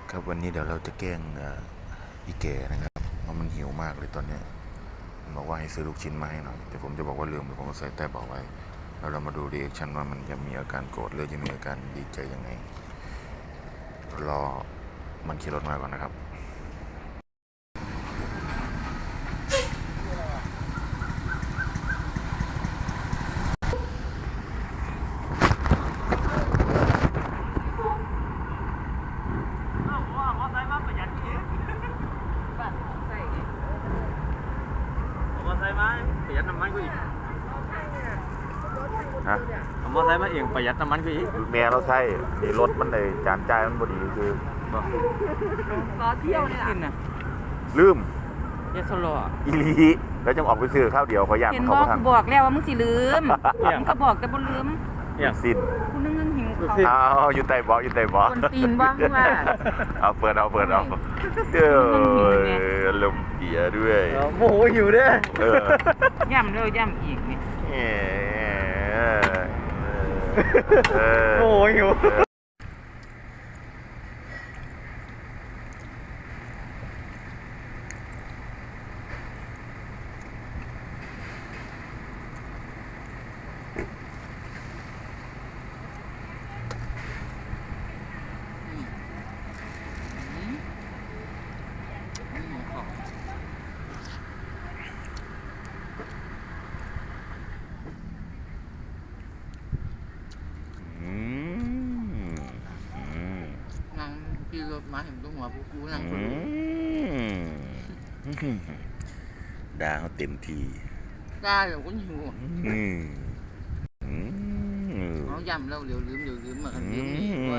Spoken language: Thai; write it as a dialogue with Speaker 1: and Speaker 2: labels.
Speaker 1: ครับวันนี้เดี๋ยวเราจะแกล้งอีแก่นะครับเพราะมันหิวมากเลยตอนนี้มันบอกว่าให้ซื้อลูกชิ้นมาให้หน่อยแต่ผมจะบอกว่าลืมเดี๋ยวผมก็ใส่ใต้เบาะไว้แล้วเรามาดูรีแอคชั่นว่ามันจะมีอาการโกรธหรือจะมีอาการดีใจยังไงรอมันขี่รถมาก่อนนะครับ
Speaker 2: มอไซค์มาประหยัดน้ำมันกูอีก
Speaker 1: ฮะ
Speaker 2: เอามอไซค์มาเองประหยัดน้ำมันกูอีก
Speaker 1: แม่เราใช่ดีรถมันเลยจานจ่ายมันบดีคือ
Speaker 3: ล้อเที่ยวเนี่ยนะ
Speaker 1: ลืม
Speaker 3: ยาสลอ
Speaker 1: อีลีแล้วจะออกไปซื้อข้าวเดียวเขาอยาก
Speaker 3: เห็น
Speaker 1: เขา
Speaker 3: บอก
Speaker 1: ท
Speaker 3: กูบอกแล้วว่ามึงสิลืมมึงก็บอกแต่บ่ลืม
Speaker 1: ำสิ้น
Speaker 3: กูนึงหิวเขา
Speaker 1: เอาอยู่ใต้เบาะอยู่ใต้เบาะ
Speaker 3: คนตีนบ้างว่า
Speaker 1: เอาเปิดเอาเด้อลมเกียด้วย
Speaker 2: โมโหหิวเด้
Speaker 3: ย่ำแล้วย่ำอีกนี่
Speaker 2: โมโหหิว
Speaker 3: นั่งขี่รถมาเห็นตัวหัวกูนั่งคน
Speaker 1: ด่าเขาเต็มที
Speaker 3: ได้เดี๋ยวกูหิว
Speaker 1: อืม
Speaker 3: เขาย่ำแล้วเดี๋ยวลืมเหมือนลืมนี่